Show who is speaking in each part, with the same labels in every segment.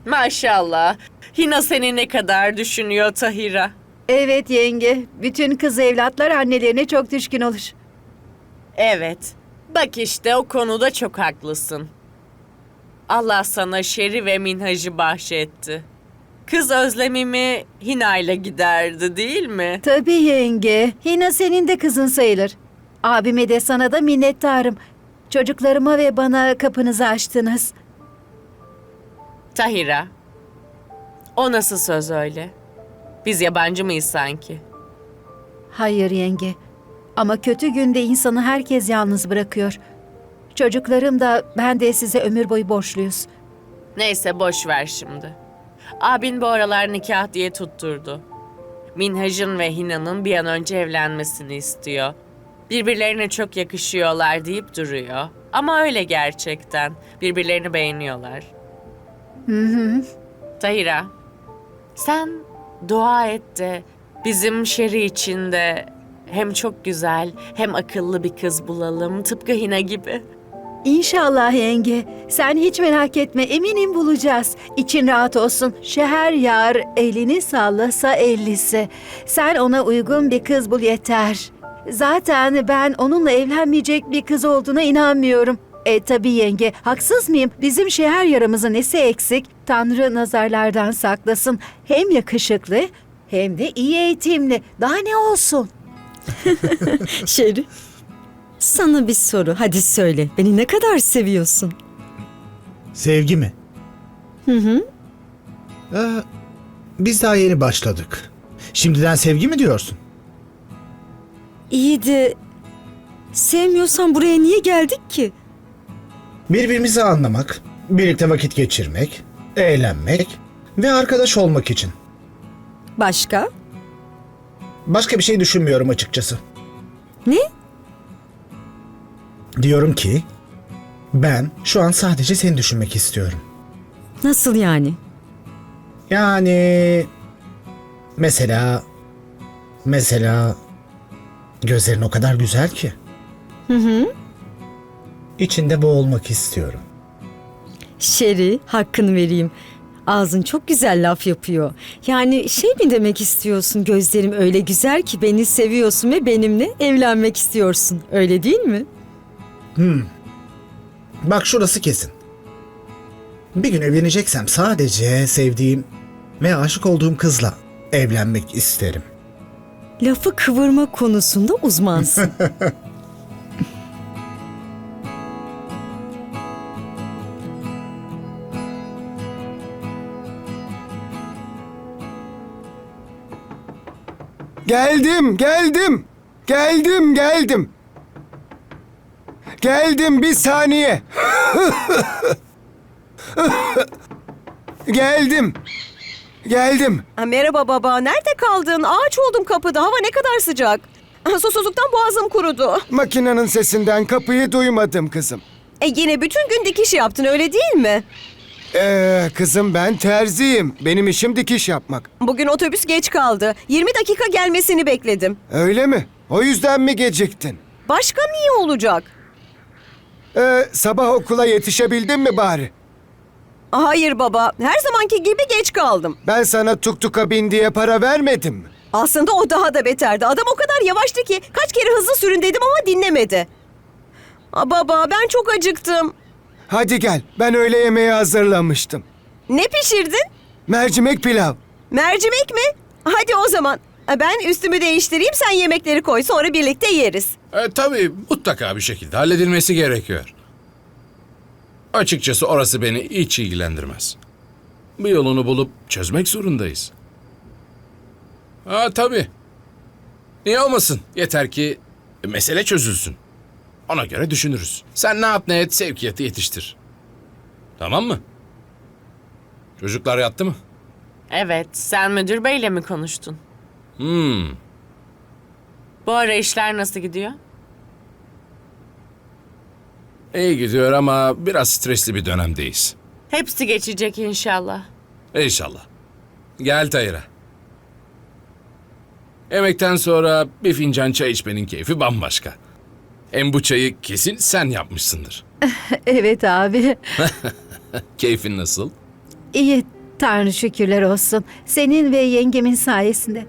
Speaker 1: Maşallah. Hina seni ne kadar düşünüyor Tahira.
Speaker 2: Evet yenge, bütün kız evlatlar annelerine çok düşkün olur.
Speaker 1: Evet. Bak işte o konuda çok haklısın. Allah sana Şeri ve Minhaj'ı bahşetti. Kız özlemimi Hina ile giderdi değil mi?
Speaker 2: Tabii yenge, Hina senin de kızın sayılır. Abime de sana da minnettarım. Çocuklarıma ve bana kapınızı açtınız.
Speaker 1: Tahira. O nasıl söz öyle? Biz yabancı mıyız sanki?
Speaker 2: Hayır yenge, ama kötü günde insanı herkes yalnız bırakıyor. Çocuklarım da ben de size ömür boyu borçluyuz.
Speaker 1: Neyse boş ver şimdi. Abin bu aralar nikah diye tutturdu. Minhaj'ın ve Hina'nın bir an önce evlenmesini istiyor. Birbirlerine çok yakışıyorlar deyip duruyor. Ama öyle gerçekten. Birbirlerini beğeniyorlar. Tahira, sen dua et de bizim Şeri için de hem çok güzel hem akıllı bir kız bulalım. Tıpkı Hina gibi.
Speaker 2: İnşallah yenge. Sen hiç merak etme, eminim bulacağız. İçin rahat olsun. Şeheryar elini sallasa ellisi. Sen ona uygun bir kız bul yeter. Zaten ben onunla evlenmeyecek bir kız olduğuna inanmıyorum. Tabii yenge, haksız mıyım? Bizim şeheryarımızın nesi eksik? Tanrı nazarlardan saklasın. Hem yakışıklı hem de iyi eğitimli. Daha ne olsun?
Speaker 3: Şeri, sana bir soru. Hadi söyle. Beni ne kadar seviyorsun?
Speaker 4: Sevgi mi?
Speaker 3: Hı.
Speaker 4: Biz daha yeni başladık. Şimdiden sevgi mi diyorsun?
Speaker 3: İyi de sevmiyorsan buraya niye geldik ki?
Speaker 4: Birbirimizi anlamak, birlikte vakit geçirmek, eğlenmek ve arkadaş olmak için.
Speaker 3: Başka?
Speaker 4: Başka bir şey düşünmüyorum açıkçası.
Speaker 3: Ne?
Speaker 4: Diyorum ki ben şu an sadece seni düşünmek istiyorum.
Speaker 3: Nasıl yani?
Speaker 4: Yani mesela gözlerin o kadar güzel ki.
Speaker 3: Hı.
Speaker 4: İçinde boğulmak istiyorum.
Speaker 3: Şeri, hakkını vereyim. Ağzın çok güzel laf yapıyor. Yani şey mi demek istiyorsun? Gözlerim öyle güzel ki beni seviyorsun ve benimle evlenmek istiyorsun. Öyle değil mi?
Speaker 4: Bak şurası kesin. Bir gün evleneceksem sadece sevdiğim ve aşık olduğum kızla evlenmek isterim.
Speaker 3: Lafı kıvırma konusunda uzmansın.
Speaker 5: Geldim. Geldim bir saniye. Geldim.
Speaker 6: Merhaba baba, nerede kaldın? Ağaç oldum kapıda, hava ne kadar sıcak. Susuzluktan boğazım kurudu.
Speaker 5: Makinenin sesinden kapıyı duymadım kızım.
Speaker 6: Yine bütün gün dikiş yaptın, öyle değil mi?
Speaker 5: Kızım ben terziyim. Benim işim dikiş yapmak.
Speaker 6: Bugün otobüs geç kaldı. 20 dakika gelmesini bekledim.
Speaker 5: Öyle mi? O yüzden mi geciktin?
Speaker 6: Başka niye olacak?
Speaker 5: Sabah okula yetişebildin mi bari?
Speaker 6: Hayır baba, her zamanki gibi geç kaldım.
Speaker 5: Ben sana tuktuka bin diye para vermedim mi?
Speaker 6: Aslında o daha da beterdi. Adam o kadar yavaştı ki kaç kere hızlı sürün dedim ama dinlemedi. Baba, ben çok acıktım.
Speaker 5: Hadi gel. Ben öğle yemeği hazırlamıştım.
Speaker 6: Ne pişirdin?
Speaker 5: Mercimek pilav.
Speaker 6: Mercimek mi? Hadi o zaman. Ben üstümü değiştireyim, sen yemekleri koy, sonra birlikte yeriz.
Speaker 7: Tabii mutlaka bir şekilde halledilmesi gerekiyor. Açıkçası orası beni hiç ilgilendirmez. Bir yolunu bulup çözmek zorundayız. Tabii. Niye olmasın? Yeter ki mesele çözülsün. Ona göre düşünürüz. Sen ne yap ne et sevkiyatı yetiştir. Tamam mı? Çocuklar yattı mı?
Speaker 1: Evet, sen müdür beyle mi konuştun? Bu ara işler nasıl gidiyor?
Speaker 7: İyi gidiyor ama biraz stresli bir dönemdeyiz.
Speaker 1: Hepsi geçecek inşallah.
Speaker 7: İnşallah. Gel Tahira. Yemekten sonra bir fincan çay içmenin keyfi bambaşka. Hem bu çayı kesin sen yapmışsındır.
Speaker 2: Evet abi.
Speaker 7: Keyfin nasıl?
Speaker 2: İyi, Tanrı şükürler olsun. Senin ve yengemin sayesinde.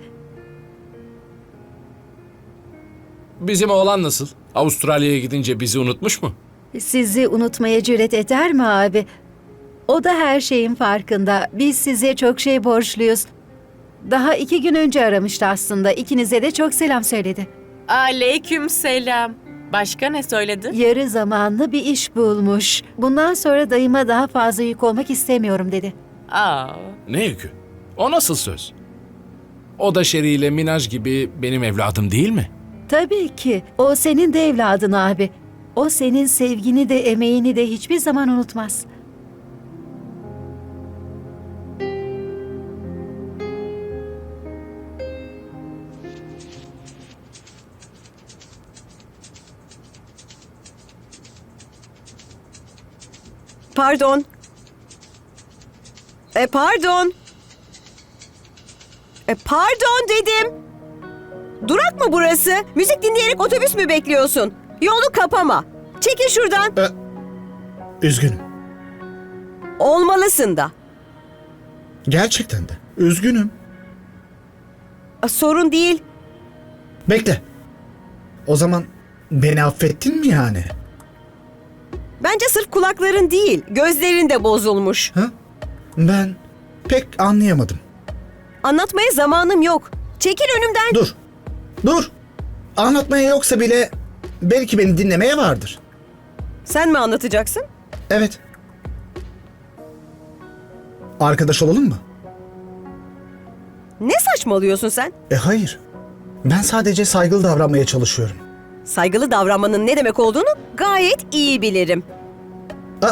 Speaker 7: Bizim oğlan nasıl? Avustralya'ya gidince bizi unutmuş mu?
Speaker 2: Sizi unutmaya cüret eder mi abi? O da her şeyin farkında. Biz size çok şey borçluyuz. Daha 2 gün önce aramıştı aslında. İkinize de çok selam söyledi.
Speaker 1: Aleyküm selam. Başka ne söyledi?
Speaker 2: Yarı zamanlı bir iş bulmuş. Bundan sonra dayıma daha fazla yük olmak istemiyorum dedi.
Speaker 1: Aa,
Speaker 7: Ne yükü? O nasıl söz? O da Şeri ile Minaj gibi benim evladım değil mi?
Speaker 2: Tabii ki. O senin de evladın abi. O senin sevgini de emeğini de hiçbir zaman unutmaz.
Speaker 6: Pardon. Pardon. Pardon dedim. Durak mı burası? Müzik dinleyerek otobüs mü bekliyorsun? Yolu kapama. Çekil şuradan.
Speaker 4: Üzgünüm.
Speaker 6: Olmalısın da.
Speaker 4: Gerçekten de. Üzgünüm.
Speaker 6: Sorun değil.
Speaker 4: Bekle. O zaman beni affettin mi yani?
Speaker 6: Bence sırf kulakların değil, gözlerin de bozulmuş.
Speaker 4: Ha? Ben pek anlayamadım.
Speaker 6: Anlatmaya zamanım yok. Çekil önümden.
Speaker 4: Dur. Dur. Anlatmaya yoksa bile belki beni dinlemeye vardır.
Speaker 6: Sen mi anlatacaksın?
Speaker 4: Evet. Arkadaş olalım mı?
Speaker 6: Ne saçmalıyorsun sen?
Speaker 4: Hayır. Ben sadece saygılı davranmaya çalışıyorum.
Speaker 6: Saygılı davranmanın ne demek olduğunu gayet iyi bilirim.
Speaker 4: Aa.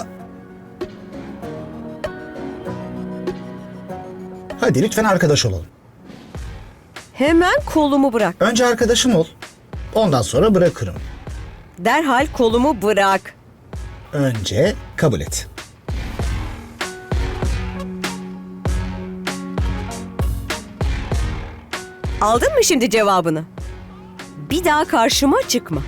Speaker 4: Hadi lütfen arkadaş olalım.
Speaker 6: Hemen kolumu bırak.
Speaker 4: Önce arkadaşım ol. Ondan sonra bırakırım.
Speaker 6: Derhal kolumu bırak.
Speaker 4: Önce kabul et.
Speaker 6: Aldın mı şimdi cevabını? Bir daha karşıma çıkma.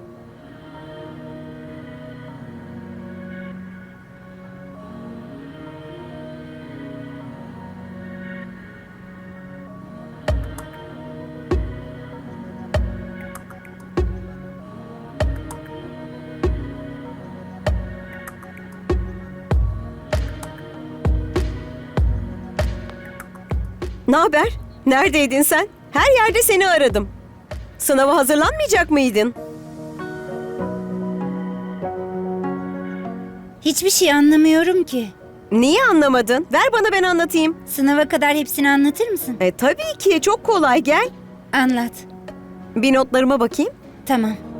Speaker 6: Ne haber? Neredeydin sen? Her yerde seni aradım. Sınava hazırlanmayacak mıydın?
Speaker 8: Hiçbir şey anlamıyorum ki.
Speaker 6: Niye anlamadın? Ver bana ben anlatayım.
Speaker 8: Sınava kadar hepsini anlatır mısın?
Speaker 6: Tabii ki çok kolay gel.
Speaker 8: Anlat.
Speaker 6: Bir notlarıma bakayım.
Speaker 8: Tamam.